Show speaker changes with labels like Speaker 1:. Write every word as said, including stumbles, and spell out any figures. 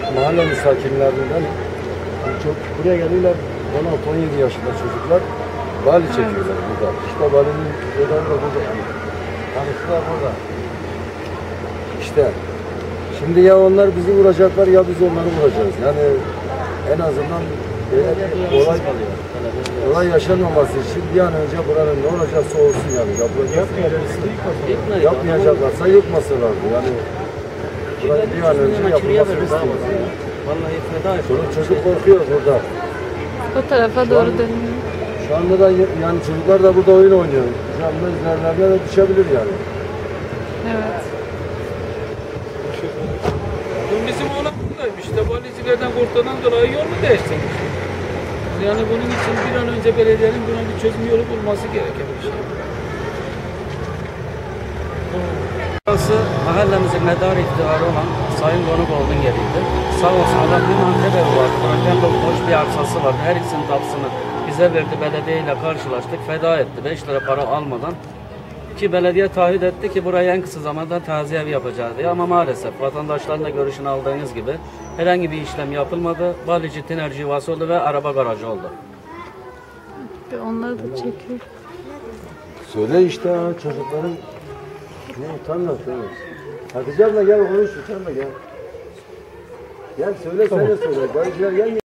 Speaker 1: Mahallenin sakinlerinden çok buraya geliyorlar, on altı on yedi yaşında çocuklar bali çekiyorlar burada. İşte balinin şeyleri de burada. Tanıştılar burada. İşte şimdi ya onlar bizi vuracaklar ya biz onları vuracağız. Yani en azından böyle olay, olay yaşanmaması için bir an önce buranın ne olacaksa olsun yani. Yapmayacaklarsa yıkmasınlardı. Yani burayı bir an önce yapılmasını istiyoruz.
Speaker 2: Vallahi feda et.
Speaker 1: Çocuk, çocuk korkuyor burada.
Speaker 3: O tarafa doğru dönüyor.
Speaker 1: Şu anda da yani çocuklar da burada oyun oynuyor. Şu anda üzerlerine de düşebilir yani.
Speaker 3: Evet.
Speaker 4: Dün bizim oğlan buradaymış. İşte valicilerden korktuğundan dolayı yolu değiştirmiş. Yani bunun için bir an önce belediyenin buna bir çözüm yolu bulması gereken bir şey.
Speaker 2: Burası mahallemizin medar iktidarı olan Sayın Konukoğlu'nun yeriydi. Sağ olsun adam bir Antep evi vardı. Bırakan da boş bir arsası vardı. Her ikisinin tapısını bize verdi. Belediyeyle karşılaştık. Feda etti. beş lira para almadan. Ki belediye taahhüt etti ki buraya en kısa zamanda taziye evi yapacağız diye. Ama maalesef vatandaşların da görüşünü aldığınız gibi herhangi bir işlem yapılmadı. Balici tinerci yuvası oldu ve araba garajı oldu.
Speaker 3: Onları da çekiyor.
Speaker 1: Söyle işte ha, çocukların ne utanma söyle. Hatice abla gel konuş utanma gel. Gel söyle söyle söyle. Galiciler gel.